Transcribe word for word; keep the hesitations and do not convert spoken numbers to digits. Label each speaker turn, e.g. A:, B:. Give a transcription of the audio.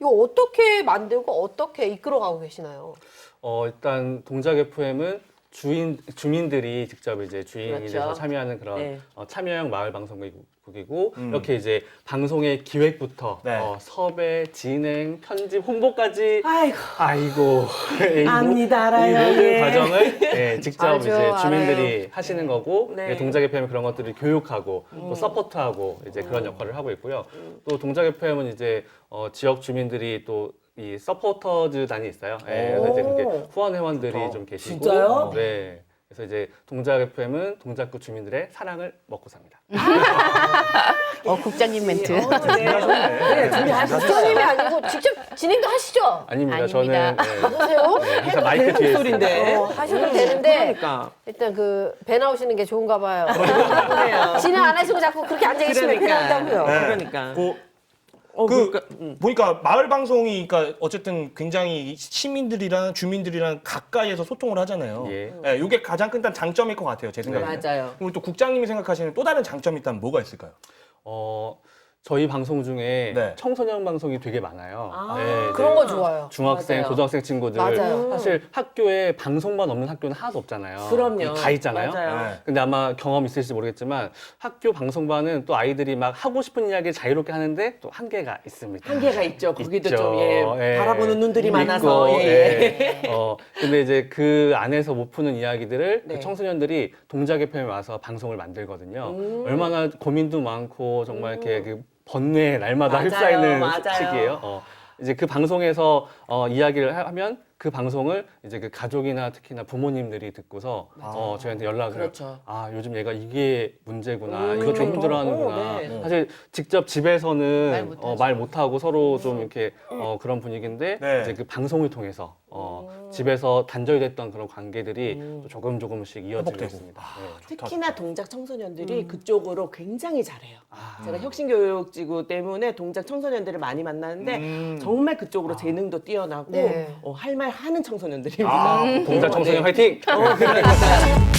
A: 이거 어떻게 만들고 어떻게 이끌어가고 계시나요?
B: 어, 일단 동작 에프엠은 주인 주민들이 직접 이제 주인이
C: 그렇죠.
B: 돼서 참여하는 그런
C: 네.
B: 어, 참여형 마을 방송국이고
D: 음.
B: 이렇게 이제 방송의 기획부터
D: 네.
B: 어, 섭외, 진행, 편집, 홍보까지
C: 아이고.
B: 아이고 이 모-
C: 압니다, 알아요.
B: 이 모든
C: 예.
B: 과정을 예, 직접
A: 알죠,
B: 이제 주민들이
A: 알아요.
B: 하시는 거고
C: 네.
B: 예, 동작 에프엠은 그런 것들을 교육하고
C: 음.
B: 또 서포트하고 이제 그런 역할을 하고 있고요. 또 동작 에프엠은 이제 어, 지역 주민들이 또 이 서포터즈단이 있어요. 예, 그래서 이제 그렇게
C: 오.
B: 후원 회원들이
D: 좋다.
B: 좀 계시고
C: 진짜요?
B: 네. 그래서 이제 동작 에프엠은 동작구 주민들의 사랑을 먹고 삽니다.
E: 어, 국장님 멘트.
C: 어, 네.
D: 네,
C: 준비하셨어요.
A: 국장님이 아니고 직접 진행도 하시죠?
B: 아닙니다.
E: 아닙니다.
B: 저는
A: 보세요.
B: 네, 네, 항상 마이크 뒤에
C: 목소리인데.
B: 있습니다.
A: 어, 하셔도 되는데
C: 그러니까.
A: 일단 그 배 나오시는 게 좋은가 봐요.
C: 그래요.
A: 진행 안 하시고 자꾸 그렇게 앉아 계시면 배 나온다고요.
D: 네.
C: 그러니까.
D: 그,
C: 어,
D: 그
C: 그러니까, 음.
D: 보니까 마을 방송이 그러니까 어쨌든 굉장히 시민들이랑 주민들이랑 가까이에서 소통을 하잖아요.
B: 예.
D: 네, 이게 가장 큰 장점일 것 같아요, 제 생각에.
C: 맞아요.
D: 그리고 또 국장님이 생각하시는 또 다른 장점이 있다면 뭐가 있을까요?
B: 어, 저희 방송 중에
D: 네.
B: 청소년 방송이 되게 많아요.
C: 아,
B: 네, 이제
A: 그런 거 좋아요.
B: 중학생,
C: 맞아요.
B: 고등학생 친구들
A: 맞아요.
B: 사실 학교에 방송반 없는 학교는 하나도 없잖아요.
C: 그럼요.
B: 다 있잖아요.
C: 맞아요.
D: 네.
B: 근데 아마 경험 있으실지 모르겠지만 학교 방송반은 또 아이들이 막 하고 싶은 이야기를 자유롭게 하는데 또 한계가 있습니다.
C: 한계가 있죠. 거기도
B: 있죠.
C: 좀, 예,
B: 예.
C: 바라보는 눈들이
B: 있고,
C: 많아서. 예, 예.
B: 예. 어, 근데 이제 그 안에서 못 푸는 이야기들을
C: 네.
B: 그 청소년들이 동작 에프엠에 와서 방송을 만들거든요.
C: 음.
B: 얼마나 고민도 많고 정말 이렇게 그 번뇌에 날마다
C: 맞아요,
B: 휩싸이는
C: 맞아요.
B: 시기예요. 어, 이제 그 방송에서 어, 이야기를 하- 하면 그 방송을 이제 그 가족이나 특히나 부모님들이 듣고서 어, 저희한테 연락을
C: 그렇죠.
B: 아 요즘 얘가 이게 문제구나
C: 음,
B: 이거 좀
C: 그렇죠.
B: 힘들어하는구나
C: 어, 네.
B: 사실 직접
E: 말
B: 집에서는
E: 못하죠.
B: 어, 말 못하고 서로 좀 이렇게 어, 그런 분위기인데
D: 네.
B: 이제 그 방송을 통해서 어, 집에서 단절됐던 그런 관계들이 또 조금 조금씩 이어지고
D: 회복되고.
B: 있습니다. 네.
C: 특히나 동작 청소년들이 그쪽으로 굉장히 잘해요.
B: 아.
C: 제가 혁신교육지구 때문에 동작 청소년들을 많이 만나는데
D: 음.
C: 정말 그쪽으로 재능도 뛰어나고
A: 네.
C: 어, 할 말 하는 청소년들입니다.
D: 아,
B: 동작 청소년 화이팅!
C: 어, 그러니까.